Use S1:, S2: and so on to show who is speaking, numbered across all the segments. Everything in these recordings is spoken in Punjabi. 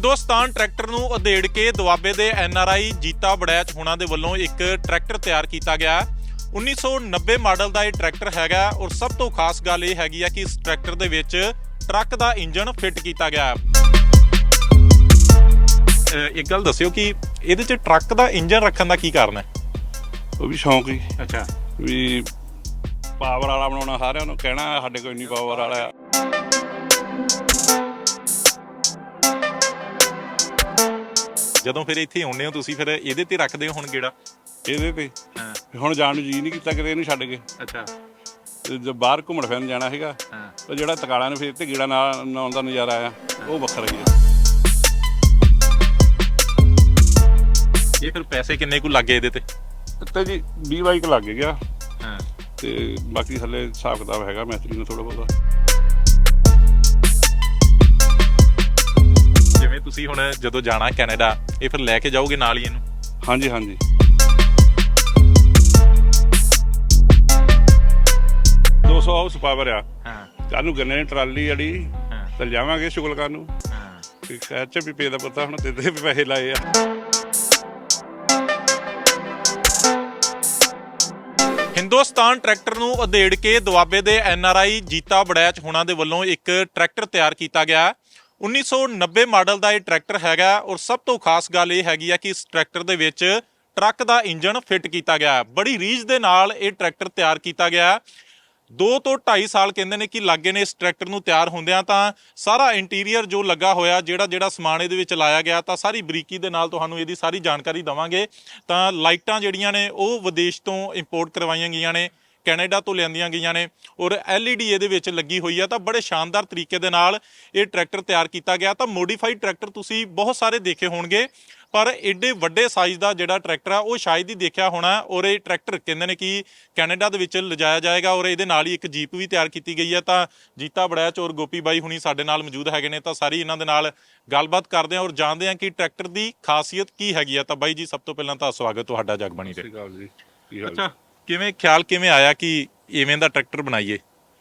S1: ਹਿੰਦੁਸਤਾਨ ਟਰੈਕਟਰ ਨੂੰ ਉਧੇੜ ਕੇ ਦੁਆਬੇ ਦੇ NRI ਜੀਤਾ ਬੜੈਚ ਹੋਣਾ ਦੇ ਵੱਲੋਂ ਇੱਕ ਟਰੈਕਟਰ ਤਿਆਰ ਕੀਤਾ ਗਿਆ। 1990 ਮਾਡਲ ਦਾ ਇਹ ਟਰੈਕਟਰ ਹੈਗਾ ਔਰ ਸਭ ਤੋਂ ਖਾਸ ਗੱਲ ਇਹ ਹੈਗੀ ਆ ਕਿ ਇਸ ਟਰੈਕਟਰ ਦੇ ਵਿੱਚ ਟਰੱਕ ਦਾ ਇੰਜਨ ਫਿੱਟ ਕੀਤਾ ਗਿਆ। ਇੱਕ ਗੱਲ ਦੱਸਿਓ ਕਿ ਇਹਦੇ 'ਚ ਟਰੱਕ ਦਾ ਇੰਜਨ ਰੱਖਣ ਦਾ ਕੀ ਕਾਰਨ ਹੈ?
S2: ਉਹ ਵੀ ਸ਼ੌਂਕ ਹੀ।
S1: ਅੱਛਾ,
S2: ਵੀ ਪਾਵਰ ਵਾਲਾ ਬਣਾਉਣਾ, ਸਾਰਿਆਂ ਨੂੰ ਕਹਿਣਾ ਸਾਡੇ ਕੋਲ ਇੰਨੀ ਪਾਵਰ ਵਾਲਾ ਆ।
S1: ਜਦੋਂ ਫਿਰ ਇੱਥੇ ਆਉਂਦੇ ਹੋ ਤੁਸੀਂ ਫਿਰ ਇਹਦੇ ਤੇ ਰੱਖਦੇ ਹੋ ਹੁਣ ਗੇੜਾ?
S2: ਇਹਦੇ ਤੇ ਹੁਣ ਜਾਣ ਨੂੰ ਜੀ ਨਹੀਂ ਕੀਤਾ ਕਿਤੇ ਇਹਨੂੰ ਛੱਡ ਕੇ।
S1: ਅੱਛਾ,
S2: ਜੇ ਬਾਹਰ ਘੁੰਮਣ ਫਿਰਨ ਜਾਣਾ ਸੀਗਾ ਉਹ ਜਿਹੜਾ ਤਕਾਲਾਂ ਨੂੰ ਫਿਰ ਤੇ ਗੇੜਾ ਨਾਉਣ ਦਾ ਨਜ਼ਾਰਾ ਆ ਉਹ ਵੱਖਰਾ ਹੀ ਆ।
S1: ਇਹ ਫਿਰ ਪੈਸੇ ਕਿੰਨੇ ਕੁ ਲੱਗੇ ਇਹਦੇ ਤੇ?
S2: ਤੇ ਜੀ 20 ਬਾਈਕ ਲੱਗ ਗਿਆ
S1: ਹਾਂ,
S2: ਤੇ ਬਾਕੀ ਥੱਲੇ ਹਿਸਾਬ ਕਿਤਾਬ ਹੈਗਾ ਮੈਸਤਰੀ ਨੂੰ ਥੋੜਾ ਬਹੁਤਾ।
S1: ਜਿਵੇਂ ਤੁਸੀਂ ਹੁਣ ਜਦੋਂ ਜਾਣਾ ਕੈਨੇਡਾ ਇਹ ਫਿਰ ਲੈ ਕੇ ਜਾਓਗੇ ਨਾਲ ਹੀ ਇਹਨੂੰ?
S2: ਹਾਂਜੀ ਹਾਂਜੀ, 200 ਹਾਊਸ ਪਾਵਰ ਆ।
S1: ਹਾਂ,
S2: ਕੱਲ੍ਹ ਗੰਨੇ ਦੀ ਟਰਾਲੀ ਜਿਹੜੀ
S1: ਹਾਂ,
S2: ਤੇ ਜਾਵਾਂਗੇ ਸ਼ੁਗਲਕਾਰ ਨੂੰ।
S1: ਹਾਂ।
S2: ਐਚ ਵੀ ਪੇ ਦਾ ਪਤਾ ਹੁਣ ਤੇ ਵੀ ਪੈਸੇ ਲਾਏ ਆ।
S1: ਹਿੰਦੁਸਤਾਨ ਟਰੈਕਟਰ ਨੂੰ ਉਧੇੜ ਕੇ ਦੁਆਬੇ ਦੇ NRI ਜੀਤਾ ਬੜੈਚ ਹੋਣਾ ਦੇ ਵੱਲੋਂ ਇੱਕ ਟਰੈਕਟਰ ਤਿਆਰ ਕੀਤਾ ਗਿਆ। 1990 ਮਾਡਲ ਦਾ ਇਹ ਟਰੈਕਟਰ ਹੈਗਾ ਔਰ ਸਭ ਤੋਂ ਖਾਸ ਗੱਲ ਇਹ ਹੈਗੀ ਆ ਕਿ ਇਸ ਟਰੈਕਟਰ ਦੇ ਵਿੱਚ ਟਰੱਕ ਦਾ ਇੰਜਨ ਫਿੱਟ ਕੀਤਾ ਗਿਆ। ਬੜੀ ਰੀਝ ਦੇ ਨਾਲ ਇਹ ਟਰੈਕਟਰ ਤਿਆਰ ਕੀਤਾ ਗਿਆ। 2 ਤੋਂ 2.5 ਸਾਲ ਕਹਿੰਦੇ ਨੇ ਕਿ ਲੱਗੇ ਨੇ ਇਸ ਟਰੈਕਟਰ ਨੂੰ ਤਿਆਰ ਹੁੰਦਿਆਂ। ਤਾਂ ਸਾਰਾ ਇੰਟੀਰੀਅਰ ਜੋ ਲੱਗਾ ਹੋਇਆ, ਜਿਹੜਾ ਸਮਾਨ ਇਹਦੇ ਵਿੱਚ ਲਾਇਆ ਗਿਆ, ਤਾਂ ਸਾਰੀ ਬਰੀਕੀ ਦੇ ਨਾਲ ਤੁਹਾਨੂੰ ਇਹਦੀ ਸਾਰੀ ਜਾਣਕਾਰੀ ਦੇਵਾਂਗੇ। ਤਾਂ ਲਾਈਟਾਂ ਜਿਹੜੀਆਂ ਨੇ ਉਹ ਵਿਦੇਸ਼ ਤੋਂ ਇੰਪੋਰਟ ਕਰਵਾਈਆਂ ਗਈਆਂ ਨੇ, ਕੈਨੇਡਾ ਤੋਂ ਲਿਆਂਦੀਆਂ ਗਈਆਂ ਨੇ ਔਰ LED ਇਹਦੇ ਵਿੱਚ ਲੱਗੀ ਹੋਈ ਆ। ਤਾਂ ਬੜੇ ਸ਼ਾਨਦਾਰ ਤਰੀਕੇ ਦੇ ਨਾਲ ਇਹ ਟਰੈਕਟਰ ਤਿਆਰ ਕੀਤਾ ਗਿਆ। ਤਾਂ ਮੋਡੀਫਾਈਡ ਟਰੈਕਟਰ ਤੁਸੀਂ ਬਹੁਤ ਸਾਰੇ ਦੇਖੇ ਹੋਣਗੇ ਪਰ ਏਡੇ ਵੱਡੇ ਸਾਈਜ਼ ਦਾ ਜਿਹੜਾ ਟਰੈਕਟਰ ਆ ਉਹ ਸ਼ਾਇਦ ਹੀ ਦੇਖਿਆ ਹੋਣਾ। ਔਰ ਇਹ ਟਰੈਕਟਰ ਕਹਿੰਦੇ ਨੇ ਕਿ ਕੈਨੇਡਾ ਦੇ ਵਿੱਚ ਲਿਜਾਇਆ ਜਾਏਗਾ ਔਰ ਇਹਦੇ ਨਾਲ ਹੀ ਇੱਕ ਜੀਪ ਵੀ ਤਿਆਰ ਕੀਤੀ ਗਈ ਹੈ। ਤਾਂ ਜੀਤਾ ਬੜੈਚ ਔਰ ਗੋਪੀ ਬਾਈ ਹੁਣੀ ਸਾਡੇ ਨਾਲ ਮੌਜੂਦ ਹੈਗੇ ਨੇ। ਤਾਂ ਸਾਰੀ ਇਹਨਾਂ ਦੇ ਨਾਲ ਗੱਲਬਾਤ ਕਰਦੇ ਹਾਂ ਔਰ ਜਾਣਦੇ ਹਾਂ ਕਿ ਟਰੈਕਟਰ ਦੀ ਖਾਸੀਅਤ ਕੀ ਹੈਗੀ ਆ। ਤਾਂ ਬਾਈ ਜੀ, ਸਭ ਤੋਂ ਪਹਿਲਾਂ ਤਾਂ ਸਵਾਗਤ ਤੁਹਾਡਾ ਜਗਬਾਣੀ ਤੇ। ਅੱਛਾ, ਕਿਵੇਂ ਆਇਆ ਕਿ ਇਵੇਂ ਦਾ ਟਰੈਕਟਰ ਬਣਾਈਏ?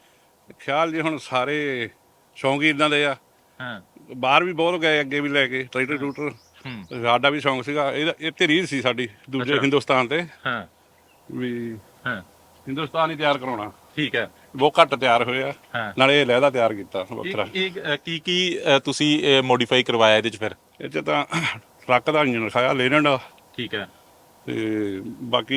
S2: ਖਿਆਲ ਜੀ ਹੁਣ ਸਾਰੇ ਸ਼ੌਂਕ ਹੀ ਇਦਾਂ ਦੇ ਆ।
S1: ਹਾਂ,
S2: ਬਾਹਰ ਵੀ ਬਹੁਤ ਗਏ, ਅੱਗੇ ਵੀ ਲੈ ਕੇ ਟਰੈਕਟਰ ਟਰੂਟਰ। ਸਾਡਾ ਵੀ ਸ਼ੌਂਕ ਸੀਗਾ ਇਹ ਤੇ ਰੀਝ ਸੀ ਸਾਡੀ ਦੂਜੇ ਹਿੰਦੁਸਤਾਨ ਤੇ।
S1: ਹਾਂ,
S2: ਵੀ
S1: ਹਾਂ,
S2: ਹਿੰਦੁਸਤਾਨ ਹੀ ਤਿਆਰ ਕਰਾਉਣਾ।
S1: ਠੀਕ ਹੈ।
S2: ਬਹੁਤ ਘੱਟ ਤਿਆਰ ਹੋਏ ਆ, ਨਾਲੇ ਇਹ ਲਹਿਦਾ ਤਿਆਰ ਕੀਤਾ ਵੱਖਰਾ।
S1: ਇਹ ਕੀ ਤੁਸੀਂ ਮੋਡੀਫਾਈ ਕਰਵਾਇਆ ਇਹਦੇ ਚ ਫਿਰ?
S2: ਇਹ 'ਚ ਤਾਂ ਟਰੱਕ ਦਾ ਇੰਜਨ ਰਖਾਇਆ ਲੇਨਡ ਦਾ,
S1: ਠੀਕ ਹੈ।
S2: ਤੇ ਬਾਕੀ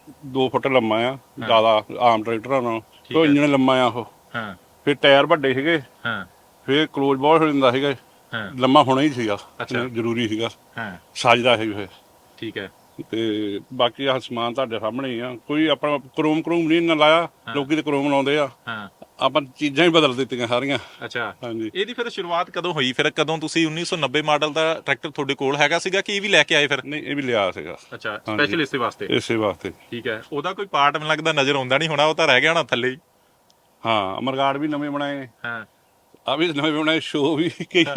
S2: 2 ਫੁੱਟ ਲੰਮਾ ਆ, ਜ਼ਿਆਦਾ ਆਮ ਟਰੈਕਟਰਾਂ ਨਾਲੋਂ। ਉਹ ਇੰਜਨ ਲੰਮਾ ਆ ਉਹ।
S1: ਹਾਂ,
S2: ਫਿਰ ਟਾਇਰ ਵੱਡੇ ਸੀਗੇ,
S1: ਹਾਂ,
S2: ਫਿਰ ਕਲੋਜ਼ ਬਹੁਤ ਹੋ ਜਾਂਦਾ ਸੀਗਾ।
S1: ਹਾਂ,
S2: ਲੰਮਾ ਹੋਣਾ ਹੀ ਸੀਗਾ,
S1: ਅੱਛਾ,
S2: ਜ਼ਰੂਰੀ ਸੀਗਾ,
S1: ਹਾਂ,
S2: ਸਾਜਦਾ ਸੀ ਫਿਰ।
S1: ਠੀਕ ਹੈ।
S2: ਤੇ ਬਾਕੀ ਆਹ ਸਮਾਨ ਤੁਹਾਡੇ ਸਾਹਮਣੇ ਹੀ ਆ। ਕੋਈ ਆਪਣਾ ਕਰੋਮ ਨਹੀਂ ਨਾ ਲਾਇਆ, ਲੋਕੀ ਤੇ ਕਰੋਮ ਲਾਉਂਦੇ ਆ।
S1: ਹਾਂ,
S2: ਆਪਾਂ ਚੀਜ਼ਾਂ ਹੀ ਬਦਲ ਦਿੱਤੀਆਂ ਸਾਰੀਆਂ।
S1: ਅੱਛਾ,
S2: ਹਾਂਜੀ।
S1: ਇਹਦੀ ਫਿਰ ਸ਼ੁਰੂਆਤ ਕਦੋਂ ਹੋਈ? ਫਿਰ ਕਦੋਂ ਤੁਸੀਂ 1990 ਮਾਡਲ ਦਾ ਟਰੈਕਟਰ ਤੁਹਾਡੇ ਕੋਲ ਹੈਗਾ ਸੀਗਾ ਕਿ ਇਹ ਵੀ ਲੈ ਕੇ ਆਏ ਫਿਰ?
S2: ਨਹੀਂ, ਇਹ ਵੀ ਲਿਆ ਸੀਗਾ।
S1: ਅੱਛਾ, ਸਪੈਸ਼ਲ ਇਸੇ ਵਾਸਤੇ?
S2: ਇਸੇ ਵਾਸਤੇ।
S1: ਠੀਕ ਹੈ। ਉਹਦਾ ਕੋਈ ਪਾਰਟ ਮੈਨੂੰ ਲੱਗਦਾ ਨਜ਼ਰ ਆਉਂਦਾ ਨਹੀਂ ਹੋਣਾ, ਉਹ ਤਾਂ ਰਹਿ ਗਿਆ ਹੋਣਾ ਥੱਲੇ ਹੀ।
S2: ਹਾਂ, ਅਮਰਗਾਰਡ ਵੀ ਨਵੇਂ ਬਣਾਏ,
S1: ਹਾਂ,
S2: ਆ ਵੀ ਨਵੇਂ ਬਣਾਏ, ਸ਼ੋ ਵੀ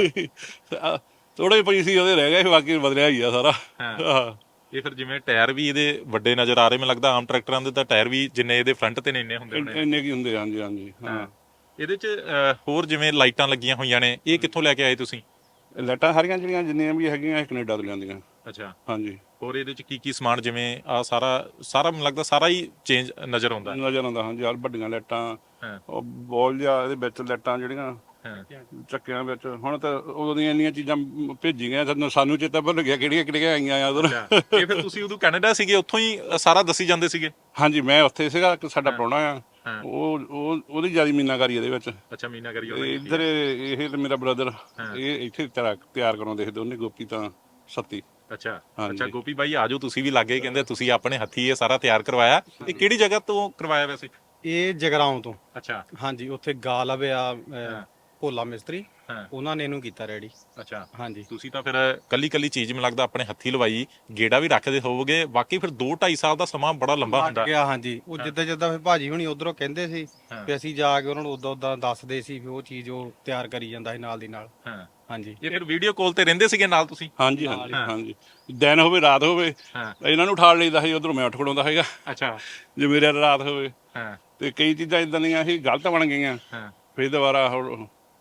S2: ਥੋੜੇ ਪਈ ਸੀ ਉਹਦੇ ਰਹਿ ਗਏ, ਬਾਕੀ ਬਦਲਿਆ ਹੀ ਆ ਸਾਰਾ।
S1: ਹਾਂ। ਇਹ ਫਿਰ ਜਿਵੇਂ ਟਾਇਰ ਵੀ ਇਹਦੇ ਵੱਡੇ ਨਜ਼ਰ ਆ ਰਹੇ, ਮੈਨੂੰ ਲੱਗਦਾ ਆਮ ਟਰੈਕਟਰਾਂ ਦੇ ਤਾਂ ਟਾਇਰ ਵੀ ਜਿੰਨੇ ਇਹਦੇ ਫਰੰਟ ਤੇ ਨੇ ਇੰਨੇ ਹੁੰਦੇ ਨੇ।
S2: ਇੰਨੇ ਕੀ ਹੁੰਦੇ? ਹਾਂਜੀ ਹਾਂਜੀ। ਹਾਂ,
S1: ਇਹਦੇ 'ਚ ਹੋਰ ਜਿਵੇਂ ਲਾਈਟਾਂ ਲੱਗੀਆਂ ਹੋਈਆਂ ਨੇ, ਇਹ ਕਿੱਥੋਂ ਲੈ ਕੇ ਆਏ ਤੁਸੀਂ?
S2: ਲਾਈਟਾਂ ਸਾਰੀਆਂ ਜਿਹੜੀਆਂ ਜਿੰਨੀਆਂ ਵੀ ਹੈਗੀਆਂ ਇਹ ਕੈਨੇਡਾ ਤੋਂ ਲਿਆਂਦੀਆਂ।
S1: ਅੱਛਾ।
S2: ਹਾਂਜੀ।
S1: ਹੋਰ ਇਹਦੇ 'ਚ ਕੀ ਸਮਾਨ, ਜਿਵੇਂ ਆ ਸਾਰਾ ਮੈਨੂੰ ਲੱਗਦਾ ਸਾਰਾ ਹੀ ਚੇਂਜ ਨਜ਼ਰ ਆਉਂਦਾ?
S2: ਹਾਂਜੀ। ਆਹ ਵੱਡੀਆਂ ਲਾਈਟਾਂ,
S1: ਹਾਂ,
S2: ਉਹ ਬੋਲ ਜਿਹਾ ਇਹਦੇ ਵਿੱਚ ਲਾਈਟਾਂ ਜਿਹੜੀਆਂ ਚੱਕਿਆਂ ਵਿੱਚ। ਹੁਣ ਤਾਂ ਉਦੋਂ ਦੀਆਂ ਇੰਨੀਆਂ ਚੀਜ਼ਾਂ ਭੇਜੀ ਗਈਆਂ, ਸਾਨੂੰ ਚੇਤਾ ਭੁੱਲ ਗਿਆ ਕਿਹੜੀਆਂ ਆਈਆਂ ਆ ਉਧਰ।
S1: ਇਹ ਫਿਰ ਤੁਸੀਂ ਉਦੋਂ ਕੈਨੇਡਾ ਸੀਗੇ, ਉੱਥੋਂ ਹੀ ਸਾਰਾ ਦੱਸੀ ਜਾਂਦੇ ਸੀਗੇ?
S2: ਹਾਂਜੀ, ਮੈਂ ਉੱਥੇ ਸੀਗਾ, ਸਾਡਾ ਪ੍ਰਾਹੁਣਾ ਆ, ਉਹਦੀ ਜਿਆਦਾ ਮੀਨਾਕਾਰੀ ਇਹਦੇ ਵਿੱਚ।
S1: ਅੱਛਾ, ਮੀਨਾਕਾਰੀ।
S2: ਇੱਧਰ ਇਹ ਤੇ ਮੇਰਾ ਬ੍ਰਦਰ, ਇਹ ਇੱਥੇ ਤਿਆਰ ਕਰਾਉਂਦੇ ਸੀ ਦੋਨੇ, ਗੋਪੀ ਤਾਂ ਸੱਤੀ।
S1: ਅੱਛਾ, ਗੋਪੀ ਬਾਈ ਆਜੋ, ਤੁਸੀਂ ਵੀ ਲੱਗੇ, ਕਹਿੰਦੇ ਤੁਸੀਂ ਆਪਣੇ ਹੱਥੀ ਇਹ ਸਾਰਾ ਤਿਆਰ ਕਰਵਾਇਆ। ਇਹ ਕਿਹੜੀ ਜਗ੍ਹਾ ਤੋਂ ਕਰਵਾਇਆ ਵੈਸੇ?
S3: ਇਹ ਜਗਰਾਉਂ ਤੋਂ।
S1: ਅੱਛਾ।
S3: ਹਾਂਜੀ, ਉੱਥੇ ਗਾਲਬ ਆ ਭੋਲਾ ਮਿਸਤਰੀ, ਉਹਨਾਂ ਨੇ ਇਹਨੂੰ ਕੀਤਾ ਰੈਡੀ।
S1: ਅੱਛਾ।
S3: ਹਾਂਜੀ।
S1: ਤੁਸੀਂ ਤਾਂ ਫਿਰ ਕੱਲੀ ਚੀਜ਼ ਮੈਨੂੰ ਲੱਗਦਾ ਆਪਣੇ ਹੱਥੀ ਲਵਾਈ, ਗੇੜਾ ਵੀ ਰੱਖਦੇ ਹੋਵੋਗੇ। ਬਾਕੀ ਫਿਰ 2-2.5 ਸਾਲ ਦਾ ਸਮਾਂ ਬੜਾ ਲੰਬਾ ਹੁੰਦਾ।
S3: ਹਾਂਜੀ, ਉਹ ਜਿੱਦਾਂ ਫਿਰ ਭਾਜੀ ਹੁਣੀ ਉਧਰੋਂ ਕਹਿੰਦੇ ਸੀ ਵੀ ਅਸੀਂ ਜਾ ਕੇ ਉਹਨਾਂ ਨੂੰ ਉਦਾਂ ਦੱਸਦੇ ਸੀ ਵੀ ਉਹ ਚੀਜ਼ ਉਹ ਤਿਆਰ ਕਰੀ ਜਾਂਦਾ ਸੀ ਨਾਲ ਦੀ ਨਾਲ। ਹਾਂਜੀ।
S1: ਇਹ ਫਿਰ ਵੀਡੀਓ ਕਾਲ ਤੇ ਰਹਿੰਦੇ ਸੀਗੇ ਨਾਲ ਤੁਸੀਂ?
S2: ਹਾਂਜੀ ਹਾਂਜੀ ਹਾਂਜੀ। ਦਿਨ ਹੋਵੇ ਰਾਤ ਹੋਵੇ, ਇਹਨਾਂ ਨੂੰ ਉਠਾਲ ਲਈਦਾ ਸੀ, ਉਧਰੋਂ ਮੈਂ ਉੱਠ ਖੜਾਉਂਦਾ ਸੀਗਾ।
S1: ਅੱਛਾ।
S2: ਜੇ ਮੇਰੇ ਰਾਤ ਹੋਵੇ ਤੇ ਕਈ ਚੀਜ਼ਾਂ ਇਦਾਂ ਦੀਆਂ ਸੀ ਗਲਤ ਬਣ ਗਈਆਂ, ਫਿਰ ਦੁਬਾਰਾ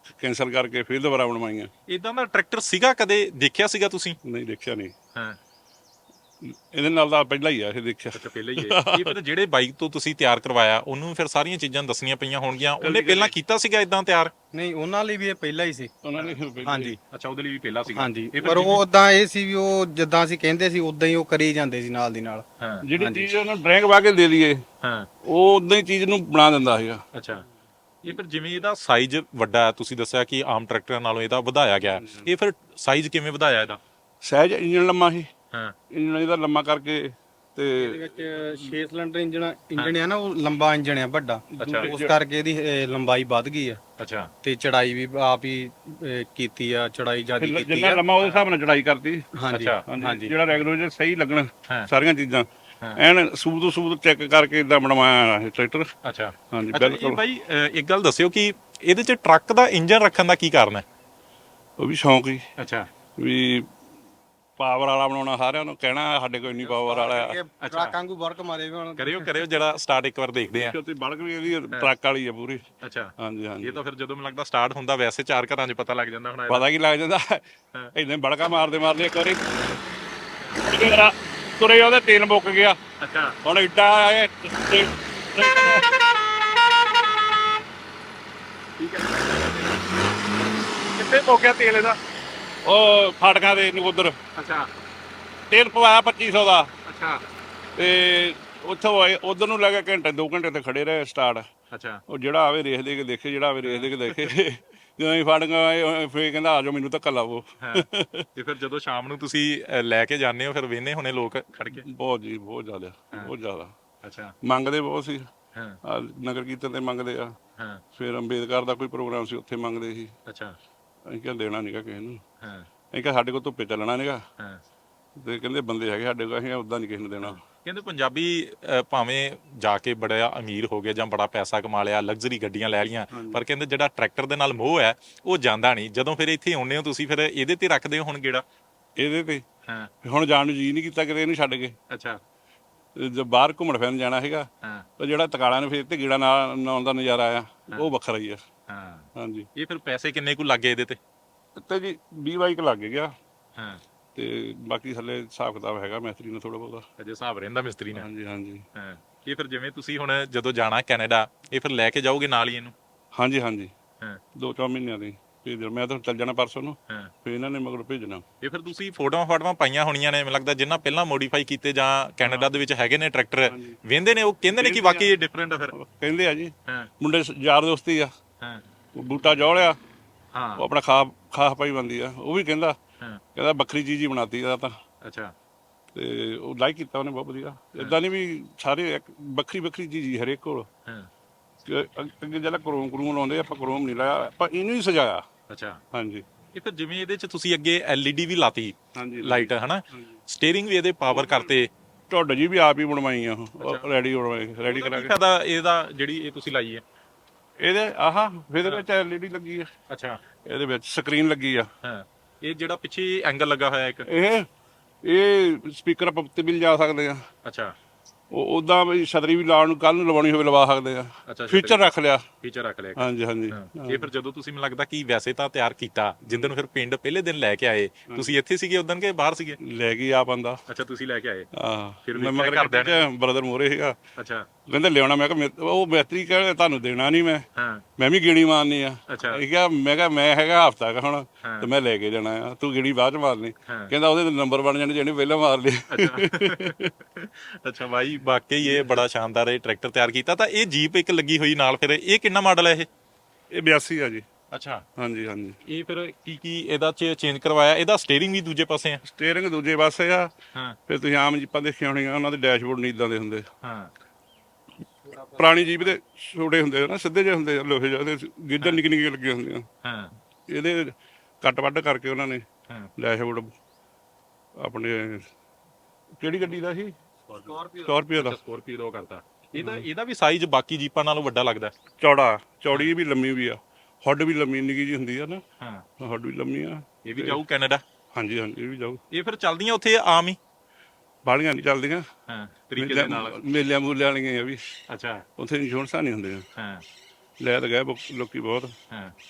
S2: ਕੈਂਸਲ ਕਰਕੇ ਫਿਰ ਦੁਬਾਰਾ ਬਣਵਾਈਆਂ।
S1: ਇਦਾਂ ਦਾ ਟਰੈਕਟਰ ਸੀਗਾ ਕਦੇ ਦੇਖਿਆ ਸੀਗਾ ਤੁਸੀਂ?
S2: ਨਹੀਂ ਦੇਖਿਆ ਨਹੀਂ,
S1: ਹਾਂ,
S2: ਇਹਦੇ ਨਾਲ ਤਾਂ ਪਹਿਲਾਂ ਹੀ ਆ ਇਹ ਦੇਖਿਆ।
S1: ਅੱਛਾ ਪਹਿਲਾਂ ਹੀ ਹੈ। ਇਹ ਫਿਰ ਜਿਹੜੇ ਬਾਈਕ ਤੋਂ ਤੁਸੀਂ ਤਿਆਰ ਕਰਵਾਇਆ ਉਹਨੂੰ ਫਿਰ ਸਾਰੀਆਂ ਚੀਜ਼ਾਂ ਦੱਸਣੀਆਂ ਪਈਆਂ ਹੋਣਗੀਆਂ, ਉਹਨੇ ਪਹਿਲਾਂ ਕੀਤਾ ਸੀਗਾ ਇਦਾਂ ਤਿਆਰ?
S3: ਨਹੀਂ, ਉਹਨਾਂ ਲਈ ਵੀ ਇਹ ਪਹਿਲਾਂ ਹੀ ਸੀ।
S2: ਉਹਨਾਂ ਨੇ
S3: ਹਾਂਜੀ
S1: ਅੱਛਾ, ਉਹਦੇ ਲਈ ਵੀ ਪਹਿਲਾਂ ਸੀਗਾ।
S3: ਹਾਂਜੀ, ਪਰ ਉਹ ਉਦਾਂ ਇਹ ਸੀ ਵੀ ਉਹ ਜਿੱਦਾਂ ਅਸੀਂ ਕਹਿੰਦੇ ਸੀ ਉਦਾਂ ਹੀ ਉਹ ਕਰੀ ਜਾਂਦੇ ਸੀ ਨਾਲ ਦੀ ਨਾਲ।
S1: ਹਾਂ,
S2: ਜਿਹੜੀ ਚੀਜ਼ ਉਹਨਾਂ ਡਰੈਂਗ ਵਾ ਕੇ ਦੇ ਦਈਏ
S1: ਹਾਂ,
S2: ਉਹ ਉਦਾਂ ਹੀ ਚੀਜ਼ ਨੂੰ ਬਣਾ ਦਿੰਦਾ ਸੀਗਾ।
S1: ਅੱਛਾ। ਇਹ ਫਿਰ ਜਿਵੇਂ ਇਹਦਾ ਸਾਈਜ਼ ਵੱਡਾ ਹੈ, ਤੁਸੀਂ ਦੱਸਿਆ ਕਿ ਆਮ ਟਰੈਕਟਰਾਂ ਨਾਲੋਂ ਇਹਦਾ ਵਧਾਇਆ ਗਿਆ, ਇਹ ਫਿਰ ਸਾਈਜ਼ ਕਿਵੇਂ ਵਧਾਇਆ ਇਹਦਾ?
S2: ਸਹਿਜ ਇੰਜਣ ਲੰਮਾ ਸੀ,
S1: ਹਾਂ,
S2: ਇੰਜਣ ਇਹਦਾ ਲੰਮਾ ਕਰਕੇ ਤੇ
S3: ਇਹਦੇ ਵਿੱਚ 6 ਸਿਲੰਡਰ ਇੰਜਣ ਹੈ ਨਾ, ਉਹ ਲੰਬਾ ਇੰਜਣ ਹੈ ਵੱਡਾ, ਉਸ ਕਰਕੇ ਇਹਦੀ ਲੰਬਾਈ ਵੱਧ ਗਈ ਆ।
S1: ਅੱਛਾ,
S3: ਤੇ ਚੜਾਈ ਵੀ ਆਪ ਹੀ ਕੀਤੀ ਆ, ਚੜਾਈ ਜਿਆਦਾ ਕੀਤੀ
S2: ਜਿੰਨਾ
S3: ਆ।
S2: ਲੰਮਾ ਉਹਦੇ ਹਿਸਾਬ ਨਾਲ ਚੜਾਈ ਕਰਤੀ।
S3: ਹਾਂਜੀ
S2: ਹਾਂਜੀ, ਜਿਹੜਾ ਰੈਗੂਲਰ ਸਹੀ ਲੱਗਣ
S1: ਹਾਂ।
S2: ਸਾਰੀਆਂ ਚੀਜ਼ਾਂ ਐਨ ਸੂਤ ਚੈੱਕ ਕਰਕੇ ਇਦਾਂ ਬਣਵਾਇਆ ਇਹ ਟਰੈਕਟਰ।
S1: ਅੱਛਾ,
S2: ਹਾਂਜੀ
S1: ਅੱਛਾ। ਇਹ
S2: ਬਿਲਕੁਲ।
S1: ਬਾਈ ਇੱਕ ਗੱਲ ਦੱਸਿਓ ਕਿ ਇਹਦੇ 'ਚ ਟਰੱਕ ਦਾ ਇੰਜਨ ਰੱਖਣ ਦਾ ਕੀ ਕਾਰਨ ਹੈ?
S2: ਉਹ ਵੀ ਸ਼ੌਂਕ ਹੀ
S1: ਅੱਛਾ,
S2: ਵੀ ਪਾਵਰ ਵਾਲਾ ਬਣਾਉਣਾ, ਸਾਰਿਆਂ ਨੂੰ ਕਹਿਣਾ ਸਾਡੇ ਕੋਲ ਇੰਨੀ ਪਾਵਰ ਵਾਲਾ ਆ।
S3: ਟਰੱਕ ਵਾਂਗੂ ਵਰਕ ਮਾਰੇ ਵੀ ਹੁਣ।
S1: ਕਰਿਓ ਜਿਹੜਾ ਸਟਾਰਟ ਇੱਕ ਵਾਰ ਦੇਖਦੇ ਆ।
S2: ਤੇ ਬਲਕ ਵੀ ਇਹਦੀ ਟਰੱਕ ਵਾਲੀ ਆ ਪੂਰੀ।
S1: ਅੱਛਾ,
S2: ਹਾਂਜੀ ਹਾਂਜੀ,
S1: ਇਹ ਤਾਂ ਫਿਰ ਜਦੋਂ ਮੈਨੂੰ ਲੱਗਦਾ ਸਟਾਰਟ ਹੁੰਦਾ ਵੈਸੇ 4 ਘਰਾਂ 'ਚ ਪਤਾ ਲੱਗ ਜਾਂਦਾ ਹੁਣ ਇਹਦਾ।
S2: ਪਤਾ ਕੀ ਲੱਗ ਜਾਂਦਾ ਇਦਾਂ ਬੜਕਾ ਮਾਰਦੇ ਇੱਕ ਵਾਰੀ ਤੁਰੇ ਉਹਦੇ ਤੇਲ ਮੁੱਕ ਗਿਆ।
S1: ਅੱਛਾ,
S2: ਹੁਣ ਇੱਡਾ ਆਏ
S1: ਕਿੱਥੇ ਹੋ ਗਿਆ ਤੇਲ ਇਹਦਾ?
S2: ਉਹ ਫਾਟਕਾਂ ਦੇ ਨਕੋਦਰ
S1: ਅੱਛਾ,
S2: ਤੇਲ ਪਵਾਇਆ 2500 ਦਾ।
S1: ਅੱਛਾ,
S2: ਤੇ ਉੱਥੋਂ ਆਏ ਉਧਰ ਨੂੰ ਲੱਗਾ ਘੰਟੇ 2 ਘੰਟੇ ਤੇ ਖੜੇ ਰਹੇ ਸਟਾਰਟ।
S1: ਅੱਛਾ,
S2: ਉਹ ਜਿਹੜਾ ਆਵੇ ਰੇਸ ਦੇ ਕੇ ਦੇਖੇ, ਜਿਹੜਾ ਆਵੇ ਰੇਸ ਦੇ ਕੇ ਦੇਖੇ। ਜਦੋਂ ਅਸੀਂ ਫਾਟਕਾਂ ਆਏ ਫੇਰ ਕਹਿੰਦਾ ਆ ਜਾਓ ਮੈਨੂੰ ਧੱਕਾ ਲਾਵੋ।
S1: ਤੇ ਫਿਰ ਜਦੋਂ ਸ਼ਾਮ ਨੂੰ ਤੁਸੀਂ ਲੈ ਕੇ ਜਾਂਦੇ ਹੋ ਫਿਰ ਵੇਹਨੇ ਹੋਣੇ ਲੋਕ ਖੜ ਕੇ?
S2: ਬਹੁਤ ਜੀ, ਬਹੁਤ ਜ਼ਿਆਦਾ, ਬਹੁਤ ਜ਼ਿਆਦਾ
S1: ਅੱਛਾ,
S2: ਮੰਗਦੇ ਬਹੁਤ ਸੀ।
S1: ਹਾਂ,
S2: ਆਹ ਨਗਰ ਕੀਰਤਨ ਤੇ ਮੰਗਦੇ ਆ,
S1: ਹਾਂ,
S2: ਫਿਰ ਅੰਬੇਦਕਰ ਦਾ ਕੋਈ ਪ੍ਰੋਗਰਾਮ ਸੀ ਉੱਥੇ ਮੰਗਦੇ ਸੀ।
S1: ਅੱਛਾ,
S2: ਅਸੀਂ ਕਿਹਾ ਦੇਣਾ ਨਹੀਂਗਾ ਕਿਸੇ ਨੂੰ,
S1: ਹਾਂ,
S2: ਅਸੀਂ ਕਿਹਾ ਸਾਡੇ ਕੋਲ ਧੁੱਪੇ ਚੱਲਣਾ ਨਹੀਂਗਾ।
S1: ਹਾਂ।
S2: ਤੇ ਕਹਿੰਦੇ ਬੰਦੇ ਹੈਗੇ ਸਾਡੇ ਕੋਲ, ਅਸੀਂ ਉਦਾਂ ਨਹੀਂ ਕਿਸੇ ਨੂੰ ਦੇਣਾ।
S1: ਕਹਿੰਦੇ ਪੰਜਾਬੀ ਭਾਵੇਂ ਜਾ ਕੇ ਬੜਾ ਅਮੀਰ ਹੋ ਗਏ ਜਾਂ ਬੜਾ ਪੈਸਾ ਕਮਾ ਲਿਆ, ਲਗਜ਼ਰੀ ਗੱਡੀਆਂ ਲੈ ਲਈਆਂ, ਪਰ ਕਹਿੰਦੇ ਜਿਹੜਾ ਟਰੈਕਟਰ ਦੇ ਨਾਲ ਮੋਹ ਹੈ ਉਹ ਜਾਂਦਾ ਨਹੀਂ। ਜਦੋਂ ਫਿਰ ਇੱਥੇ ਆਉਂਦੇ ਹੋ ਤੁਸੀਂ ਫਿਰ ਇਹਦੇ ਤੇ ਰੱਖਦੇ ਹੋ ਹੁਣ ਗੇੜਾ?
S2: ਇਹਦੇ ਤੇ
S1: ਹਾਂ,
S2: ਹੁਣ ਜਾਣ ਨੂੰ ਜੀ ਨਹੀਂ ਕੀਤਾ ਕਿਤੇ ਇਹਨੂੰ ਛੱਡ ਕੇ।
S1: ਅੱਛਾ,
S2: ਜੇ ਬਾਹਰ ਘੁੰਮਣ ਫਿਰਨ ਜਾਣਾ ਹੈਗਾ
S1: ਹਾਂ,
S2: ਤਾਂ ਜਿਹੜਾ ਤਕਾਲਾਂ ਨੂੰ ਫੇਰ ਤੇ ਗੇੜਾ ਨਾਲ ਆਉਣ ਦਾ ਨਜ਼ਾਰਾ ਆ ਉਹ ਵੱਖਰਾ ਹੀ ਆ।
S1: ਹਾਂ।
S2: ਹਾਂਜੀ,
S1: ਇਹ ਫਿਰ ਪੈਸੇ ਕਿੰਨੇ ਕੁ ਲੱਗੇ ਇਹਦੇ ਤੇ?
S2: ਤੇ ਜੀ 20 ਬਾਈਕ ਲੱਗ ਗਿਆ
S1: ਹਾਂ,
S2: ਤੇ ਬਾਕੀ ਥੱਲੇ ਹਿਸਾਬ ਕਿਤਾਬ ਹੈਗਾ ਮਿਸਤਰੀ ਨੂੰ ਥੋੜਾ ਬਹੁਤਾ।
S1: ਅਜੇ ਹਿਸਾਬ ਰਹਿੰਦਾ ਮਿਸਤਰੀ ਨੇ?
S2: ਹਾਂਜੀ ਹਾਂਜੀ,
S1: ਹਾਂ। ਇਹ ਫਿਰ ਜਿਵੇਂ ਤੁਸੀਂ ਹੁਣ ਜਦੋਂ ਜਾਣਾ ਕੈਨੇਡਾ, ਇਹ ਫਿਰ ਲੈ ਕੇ ਜਾਓਗੇ ਨਾਲ ਹੀ ਇਹਨੂੰ?
S2: ਹਾਂਜੀ ਹਾਂਜੀ,
S1: ਹਾਂ,
S2: 2-4 ਮਹੀਨਿਆਂ ਦੀ ਭੇਜ ਦੇਣਾ। ਮੈਂ ਤਾਂ ਚੱਲ ਜਾਣਾ ਪਰਸੋਂ ਨੂੰ,
S1: ਹਾਂ।
S2: ਫਿਰ ਇਹਨਾਂ ਨੇ ਮਗਰ ਭੇਜਣਾ।
S1: ਇਹ ਫਿਰ ਤੁਸੀਂ ਫੋਟੋਆਂ ਪਾਈਆਂ ਹੋਣੀਆਂ ਨੇ ਮੈਨੂੰ ਲੱਗਦਾ, ਜਿੰਨਾ ਪਹਿਲਾਂ ਮੋਡੀਫਾਈ ਕੀਤੇ ਜਾਂ ਕੈਨੇਡਾ ਦੇ ਵਿੱਚ ਹੈਗੇ ਨੇ ਟਰੈਕਟਰ, ਵੇਂਦੇ ਨੇ ਉਹ ਕਹਿੰਦੇ ਨੇ ਕਿ ਵਾਕਈ ਇਹ ਡਿਫਰੈਂਟ ਆ ਫਿਰ?
S2: ਕਹਿੰਦੇ ਆ ਜੀ,
S1: ਹਾਂ,
S2: ਮੁੰਡੇ ਯਾਰ ਦੋਸਤੀ ਆ।
S1: ਹਾਂ,
S2: ਉਹ ਬੂਟਾ ਜੋੜਿਆ,
S1: ਹਾਂ,
S2: ਉਹ ਆਪਣਾ ਖਾਸ ਪਾਈ ਬੰਦੀ ਆ, ਉਹ ਵੀ ਕਹਿੰਦਾ
S1: ਹਾਂ,
S2: ਕਹਿੰਦਾ ਵੱਖਰੀ ਚੀਜ਼ ਹੀ ਬਣਾਤੀ ਆ ਤਾਂ।
S1: ਅੱਛਾ,
S2: ਤੇ ਉਹ ਲਾਈਕ ਕੀਤਾ ਉਹਨੇ ਬਹੁਤ ਵਧੀਆ। ਇਦਾਂ ਨਹੀਂ ਵੀ ਸਾਰੇ ਇੱਕ ਵੱਖਰੀ ਚੀਜ਼ ਹੀ ਹਰੇਕ ਕੋਲ।
S1: ਹਾਂ,
S2: ਅੱਗੇ ਜਿਹੜਾ ਕਰੂਮ ਲਾਉਂਦੇ ਆਪਾਂ ਕਰੂਮ ਨਹੀਂ ਲਾਇਆ, ਆਪਾਂ ਇਹਨੂੰ ਹੀ ਸਜਾਇਆ।
S1: ਅੱਛਾ।
S2: ਹਾਂਜੀ,
S1: ਇਹ ਫਿਰ ਜਿਵੇਂ ਇਹਦੇ 'ਚ ਤੁਸੀਂ ਅੱਗੇ LED ਵੀ ਲਾਤੀ,
S2: ਹਾਂਜੀ
S1: ਲਾਈਟ ਹਨਾ, ਸਟੀਅਰਿੰਗ ਵੀ ਇਹਦੇ ਪਾਵਰ ਕਰਤੇ,
S2: ਢੁੱਡ ਜੀ ਵੀ ਆਪ ਹੀ ਬਣਵਾਈ ਆ, ਉਹ ਰੈਡੀ ਕਰਾ ਕੇ।
S1: ਫਾਇਦਾ ਇਹਦਾ ਜਿਹੜੀ ਇਹ ਤੁਸੀਂ ਲਾਈ ਹੈ?
S2: ਇਹਦੇ ਇਹਦੇ ਵਿੱਚ LED ਲੱਗੀ ਆ,
S1: ਅੱਛਾ,
S2: ਇਹਦੇ ਵਿੱਚ ਸਕਰੀਨ ਲੱਗੀ ਆ।
S1: ਹਾਂ। ਇਹ ਜਿਹੜਾ ਪਿੱਛੇ ਐਂਗਲ ਲੱਗਾ ਹੋਇਆ ਇੱਕ,
S2: ਇਹ ਸਪੀਕਰ ਆਪਾਂ ਉੱਤੇ ਵੀ ਲਿਜਾ ਸਕਦੇ ਆ।
S1: ਅੱਛਾ,
S2: ਉਹ ਉਦਾਂ ਵੀ ਛਤਰੀ ਵੀ ਲਾਉਣ ਨੂੰ ਕੱਲ ਨੂੰ ਲਵਾਉਣੀ ਹੋਵੇ ਲਵਾ ਸਕਦੇ ਆ।
S1: ਅੱਛਾ,
S2: ਫੀਚਰ ਰੱਖ ਲਿਆ।
S1: ਫੀਚਰ ਰੱਖ ਲਿਆ।
S2: ਹਾਂਜੀ ਹਾਂਜੀ,
S1: ਇਹ ਫਿਰ ਜਦੋਂ ਤੁਸੀਂ ਮੈਨੂੰ ਲੱਗਦਾ ਕਿ ਵੈਸੇ ਤਾਂ ਤਿਆਰ ਕੀਤਾ, ਜਿੱਦਣ ਫਿਰ ਪਿੰਡ ਪਹਿਲੇ ਦਿਨ ਲੈ ਕੇ ਆਏ, ਤੁਸੀਂ ਇੱਥੇ ਸੀਗੇ ਉਦੋਂ ਕਿ ਬਾਹਰ ਸੀਗੇ?
S2: ਲੈ ਗਈ ਆ ਬੰਦਾ।
S1: ਅੱਛਾ, ਤੁਸੀਂ ਲੈ ਕੇ ਆਏ।
S2: ਫਿਰ ਮੈਂ ਮਗਰ ਕਰਦਿਆਂ ਬ੍ਰਦਰ ਮੋਰੇ ਸੀਗਾ,
S1: ਅੱਛਾ,
S2: ਕਹਿੰਦੇ ਲਿਆਉਣਾ। ਮੈਂ ਕਿਹਾ ਉਹ ਮਿਸਤਰੀ ਕਹਿੰਦੇ ਤੁਹਾਨੂੰ ਦੇਣਾ ਨਹੀਂ ਮੈਂ,
S1: ਹਾਂ,
S2: ਮੈਂ ਵੀ ਗੇੜੀ ਮਾਰਨੀ ਆ।
S1: ਅੱਛਾ,
S2: ਇਹ ਕਿਹਾ ਮੈਂ ਕਿਹਾ ਮੈਂ ਹੈਗਾ ਹਫਤਾ ਕ ਹੁਣ ਤੇ ਮੈਂ ਲੈ ਕੇ ਜਾਣਾ ਆ, ਤੂੰ ਗੇੜੀ ਬਾਅਦ ਚ ਮਾਰਨੀ। ਕਹਿੰਦਾ ਉਹਦੇ ਨੰਬਰ ਬਣ ਜਾਣੇ ਜਿਹੜੇ ਪਹਿਲਾਂ ਮਾਰ ਲਏ।
S1: ਅੱਛਾ ਬਾਈ, ਵਾਕਈ ਇਹ ਬੜਾ ਸ਼ਾਨਦਾਰ ਇਹ ਟਰੈਕਟਰ ਤਿਆਰ ਕੀਤਾ। ਤਾਂ ਇਹ ਜੀਪ ਇੱਕ ਲੱਗੀ ਹੋਈ ਨਾਲ, ਫਿਰ ਇਹ ਕਿੰਨਾ ਮਾਡਲ ਹੈ ਇਹ?
S2: ਇਹ 82 ਆ ਜੀ।
S1: ਅੱਛਾ,
S2: ਹਾਂਜੀ ਹਾਂਜੀ।
S1: ਇਹ ਫਿਰ ਕੀ ਇਹਦਾ ਚ ਚੇਂਜ ਕਰਵਾਇਆ? ਇਹਦਾ ਸਟੀਅਰਿੰਗ ਵੀ ਦੂਜੇ ਪਾਸੇ ਆ?
S2: ਸਟੀਅਰਿੰਗ ਦੂਜੇ ਪਾਸੇ ਆ।
S1: ਹਾਂ,
S2: ਫਿਰ ਤੁਸੀਂ ਆਮ ਜੀਪਾਂ ਦੇਖੀਆਂ ਹੋਣੀਆਂ, ਉਹਨਾਂ ਦੇ ਡੈਸ਼ਬੋਰਡ ਨਹੀਂ ਇਦਾਂ ਦੇ ਹੁੰਦੇ।
S1: ਹਾਂ,
S2: ਪੁਰਾਣੀ ਜੀਪ ਦੇ ਛੋਟੇ ਹੁੰਦੇ ਆ ਨਾ, ਸਿੱਧੇ ਜਿਹੇ ਹੁੰਦੇ ਆ, ਲੋਹੇ ਜਿਹੇ ਗਿੱਧਰ ਨਿੱਕੀਆਂ ਲੱਗੀਆਂ ਹੁੰਦੀਆਂ।
S1: ਹਾਂ,
S2: ਇਹਦੇ ਕੱਟ ਵੱਢ ਕਰਕੇ ਉਹਨਾਂ ਨੇ
S1: ਹਾਂ,
S2: ਡੈਸ਼ਬੋਰਡ ਆਪਣੇ ਕਿਹੜੀ ਗੱਡੀ ਦਾ ਸੀ? ਸਕਾਰਪੀਓ ਦਾ।
S1: ਸਕੋਰਪੀਓ ਦਾ ਕਰਤਾ। ਇਹਦਾ ਵੀ ਸਾਈਜ਼ ਬਾਕੀ ਜੀਪਾਂ ਨਾਲੋਂ ਵੱਡਾ ਲੱਗਦਾ?
S2: ਚੌੜੀ ਵੀ ਲੰਮੀ ਵੀ ਆ, ਹੁੱਡ ਵੀ ਲੰਮੀ ਨਿੱਕੀ ਜੀ ਹੁੰਦੀ ਆ ਨਾ।
S1: ਹਾਂ,
S2: ਹੁੱਡ ਵੀ ਲੰਮੀ ਆ।
S1: ਇਹ ਵੀ ਜਾਊ ਕੈਨੇਡਾ?
S2: ਹਾਂਜੀ ਹਾਂਜੀ, ਇਹ ਵੀ ਜਾਊ।
S1: ਇਹ ਫਿਰ ਚੱਲਦੀਆਂ ਉੱਥੇ ਆਮ ਹੀ?
S2: ਬਾਹਲੀਆਂ ਨਹੀਂ ਚੱਲਦੀਆਂ,
S1: ਹਾਂ, ਤਰੀਕੇ ਦੇ ਨਾਲ।
S2: ਮੇਲਿਆਂ ਮੂਲਿਆਂ ਵਾਲੀਆਂ ਆ ਵੀ।
S1: ਅੱਛਾ,
S2: ਉੱਥੇ ਇੰਸ਼ੋਰੈਂਸਾਂ ਨਹੀਂ ਹੁੰਦੀਆਂ।
S1: ਹਾਂ,
S2: ਲੈ ਤਾਂ ਗਏ ਲੋਕੀ ਬਹੁਤ।
S1: ਹਾਂ।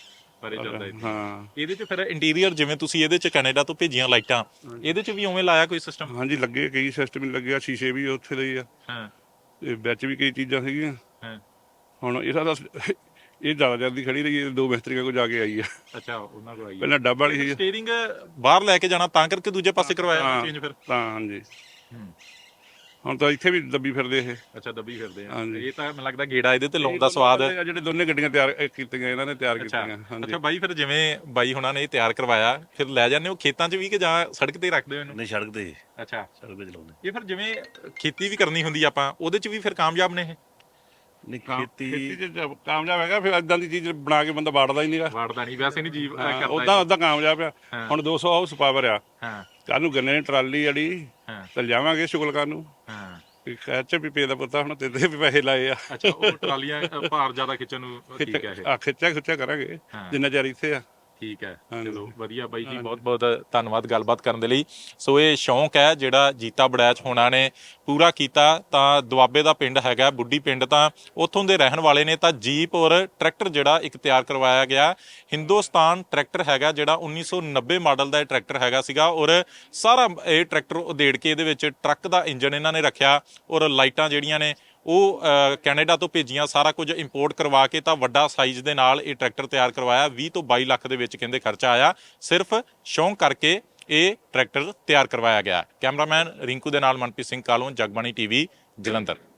S1: ਪਰੇ ਚੱਲਦਾ ਇੱਥੇ।
S2: ਹਾਂ
S1: ਇਹਦੇ 'ਚ ਫਿਰ ਇੰਟੀਰੀਅਰ ਜਿਵੇਂ ਤੁਸੀਂ ਇਹਦੇ 'ਚ ਕੈਨੇਡਾ ਤੋਂ ਭੇਜੀਆਂ ਲਾਈਟਾਂ, ਇਹਦੇ 'ਚ ਵੀ ਉਵੇਂ ਲਾਇਆ ਕੋਈ ਸਿਸਟਮ?
S2: ਹਾਂਜੀ ਲੱਗੇ ਕਈ ਸਿਸਟਮ ਹੀ ਲੱਗੇ ਆ, ਸ਼ੀਸ਼ੇ ਵੀ ਉੱਥੇ ਦੇ ਹੀ ਆ
S1: ਹਾਂ
S2: ਤੇ ਵਿੱਚ ਵੀ ਕਈ ਚੀਜ਼ਾਂ ਸੀਗੀਆਂ।
S1: ਹਾਂ
S2: ਹੁਣ ਇਹਦਾ ਤਾਂ ਇਹ ਜ਼ਿਆਦਾ ਜਲਦੀ ਖੜੀ ਰਹੀ ਹੈ, 2 ਮਿਸਤਰੀਆਂ ਕੋਲ ਜਾ ਕੇ ਆਈ ਆ।
S1: ਅੱਛਾ, ਉਹਨਾਂ ਕੋਲ ਆਈ
S2: ਪਹਿਲਾਂ ਡੱਬ ਵਾਲੀ ਸੀ
S1: ਸਟੀਅਰਿੰਗ ਬਾਹਰ ਲੈ ਕੇ ਜਾਣਾ, ਤਾਂ ਕਰਕੇ ਦੂਜੇ ਪਾਸੇ ਕਰਵਾਇਆ ਚੇਂਜ ਫਿਰ?
S2: ਤਾਂ ਹਾਂਜੀ ਹੁਣ ਤਾਂ ਇੱਥੇ ਵੀ ਦੱਬੀ ਫਿਰਦੇ ਇਹ।
S1: ਅੱਛਾ, ਦੱਬੀ ਫਿਰਦੇ ਆ।
S2: ਹਾਂਜੀ।
S1: ਇਹ ਤਾਂ ਮੈਨੂੰ ਲੱਗਦਾ ਗੇੜਾ ਇਹਦੇ ਤੇ ਲਾਉਣ ਦਾ ਸਵਾਦ।
S2: ਜਿਹੜੇ ਦੋਨੇ ਗੱਡੀਆਂ ਤਿਆਰ ਕੀਤੀਆਂ ਇਹਨਾਂ ਨੇ ਤਿਆਰ ਕੀਤੀਆਂ। ਹਾਂਜੀ
S1: ਅੱਛਾ ਬਾਈ, ਫਿਰ ਜਿਵੇਂ ਬਾਈ ਹੁਣਾਂ ਨੇ ਇਹ ਤਿਆਰ ਕਰਵਾਇਆ, ਫਿਰ ਲੈ ਜਾਂਦੇ ਹੋ ਖੇਤਾਂ 'ਚ ਵੀ ਕਿ ਜਾਂ ਸੜਕ ਤੇ ਹੀ ਰੱਖਦੇ ਹੋ ਇਹਨੂੰ?
S4: ਨਹੀਂ ਸੜਕ ਤੇ,
S1: ਅੱਛਾ,
S4: ਸੜਕ ਤੇ ਚਲਾਉਂਦੇ।
S1: ਇਹ ਫਿਰ ਜਿਵੇਂ ਖੇਤੀ ਵੀ ਕਰਨੀ ਹੁੰਦੀ ਆਪਾਂ, ਉਹਦੇ 'ਚ ਵੀ ਫਿਰ ਕਾਮਯਾਬ ਨੇ ਇਹ?
S4: ਨਹੀਂ
S2: ਖੇਤੀ
S4: ਖੇਤੀ
S2: 'ਚ ਕਾਮਯਾਬ ਹੈਗਾ, ਫਿਰ ਇਦਾਂ ਦੀ ਚੀਜ਼ ਬਣਾ ਕੇ ਬੰਦਾ ਵਾੜਦਾ ਹੀ ਨਹੀਂਗਾ।
S1: ਵਾੜਦਾ ਨਹੀਂ, ਵੈਸੇ ਨਹੀਂ ਜੀਵ ਕਰਦਾ।
S2: ਉਦਾਂ ਕਾਮਯਾਬ ਆ। ਹੁਣ 200 ਹਾਊਸ ਪਾਵਰ ਆ,
S1: ਹਾਂ
S2: ਕੱਲ ਨੂੰ ਗੰਨੇ ਦੀ ਟਰਾਲੀ ਜਿਹੜੀ
S1: ਹਾਂ
S2: ਤੇ ਲਿਆਵਾਂਗੇ ਸ਼ੁਗਲਕਾਂ ਨੂੰ।
S1: ਹਾਂ।
S2: ਖੈਚ ਵੀ ਪੇ ਦਾ ਪੁੱਤਾ ਹੁਣ ਤੇ ਵੀ ਪੈਸੇ ਲਾਏ ਆ।
S1: ਅੱਛਾ, ਉਹ ਟਰਾਲੀਆਂ ਭਾਰ ਜ਼ਿਆਦਾ ਖਿੱਚਣ ਨੂੰ ਠੀਕ ਹੈ ਇਹ?
S2: ਖਿੱਚਿਆ ਕਰਾਂਗੇ ਜਿੰਨਾ ਚਿਰ ਇੱਥੇ ਆ।
S1: ਠੀਕ ਹੈ, ਚਲੋ ਵਧੀਆ ਬਾਈ ਜੀ, ਬਹੁਤ ਬਹੁਤ ਧੰਨਵਾਦ ਗੱਲਬਾਤ ਕਰਨ ਦੇ ਲਈ। ਸੋ ਇਹ ਸ਼ੌਂਕ ਹੈ ਜਿਹੜਾ ਜੀਤਾ ਬੜੈਚ ਹੋਣਾ ਨੇ ਪੂਰਾ ਕੀਤਾ। ਤਾਂ ਦੁਆਬੇ ਦਾ ਪਿੰਡ ਹੈਗਾ ਬੁੱਢੀ ਪਿੰਡ, ਤਾਂ ਉੱਥੋਂ ਦੇ ਰਹਿਣ ਵਾਲੇ ਨੇ। ਤਾਂ ਜੀਪ ਔਰ ਟਰੈਕਟਰ ਜਿਹੜਾ ਇੱਕ ਤਿਆਰ ਕਰਵਾਇਆ ਗਿਆ, ਹਿੰਦੁਸਤਾਨ ਟਰੈਕਟਰ ਹੈਗਾ ਜਿਹੜਾ 1990 ਮਾਡਲ ਦਾ ਇਹ ਟਰੈਕਟਰ ਹੈਗਾ ਸੀਗਾ। ਔਰ ਸਾਰਾ ਇਹ ਟਰੈਕਟਰ ਉਧੇੜ ਕੇ ਇਹਦੇ ਵਿੱਚ ਟਰੱਕ ਦਾ ਇੰਜਨ ਇਹਨਾਂ ਨੇ ਰੱਖਿਆ, ਔਰ ਲਾਈਟਾਂ ਜਿਹੜੀਆਂ ਨੇ ਉਹ ਕੈਨੇਡਾ ਤੋਂ ਭੇਜੀਆਂ, ਸਾਰਾ ਕੁਝ ਇੰਪੋਰਟ ਕਰਵਾ ਕੇ ਤਾਂ ਵੱਡਾ ਸਾਈਜ਼ ਦੇ ਨਾਲ ਇਹ ਟਰੈਕਟਰ ਤਿਆਰ ਕਰਵਾਇਆ। 20 ਤੋਂ 22 ਲੱਖ ਦੇ ਵਿੱਚ ਕਹਿੰਦੇ ਖਰਚਾ ਆਇਆ, ਸਿਰਫ ਸ਼ੌਂਕ ਕਰਕੇ ਇਹ ਟਰੈਕਟਰ ਤਿਆਰ ਕਰਵਾਇਆ ਗਿਆ। ਕੈਮਰਾਮੈਨ ਰਿੰਕੂ ਦੇ ਨਾਲ ਮਨਪ੍ਰੀਤ ਸਿੰਘ ਕਾਲੋਂ, ਜਗਬਾਣੀ ਟੀਵੀ, ਜਲੰਧਰ।